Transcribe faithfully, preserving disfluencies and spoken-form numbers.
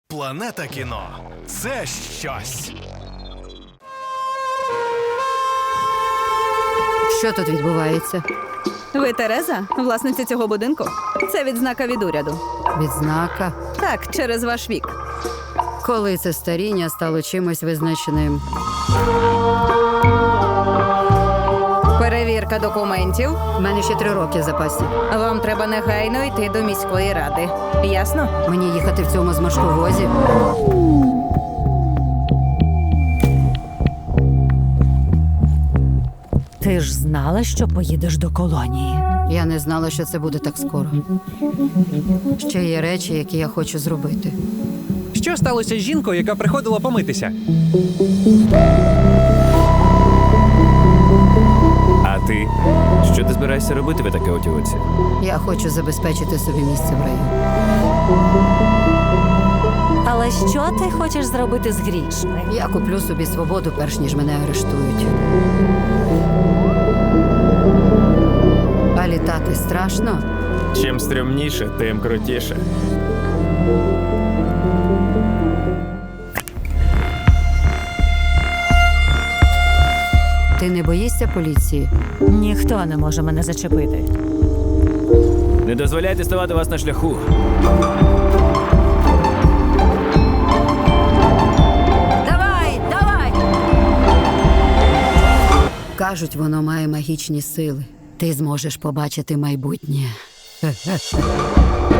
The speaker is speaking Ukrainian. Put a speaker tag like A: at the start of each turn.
A: Планета кіно – це щось.
B: Що тут відбувається?
C: Ви Тереза, власниця цього будинку? Це відзнака від уряду.
B: Відзнака?
C: Так, через ваш вік.
B: Коли це старіння стало чимось визначеним?
C: Перевірка документів.
B: У мене ще три роки в запасі.
C: Вам треба негайно йти до міської ради. Ясно?
B: Мені їхати в цьому зморшковозі?
D: Ти ж знала, що поїдеш до колонії?
B: Я не знала, що це буде так скоро. Ще є речі, які я хочу зробити.
E: Що сталося з жінкою, яка приходила помитися?
F: А ти? Що ти збираєшся робити в таке отівоці?
B: Я хочу забезпечити собі місце в раю.
D: Але що ти хочеш зробити з грішми?
B: Я куплю собі свободу, перш ніж мене арештують. А літати страшно?
F: Чим стрімніше, тим крутіше.
B: Ти не боїшся поліції?
D: Ніхто не може мене зачепити.
F: Не дозволяйте ставати вас на шляху.
B: Давай, давай! Кажуть, воно має магічні сили. Ти зможеш побачити майбутнє.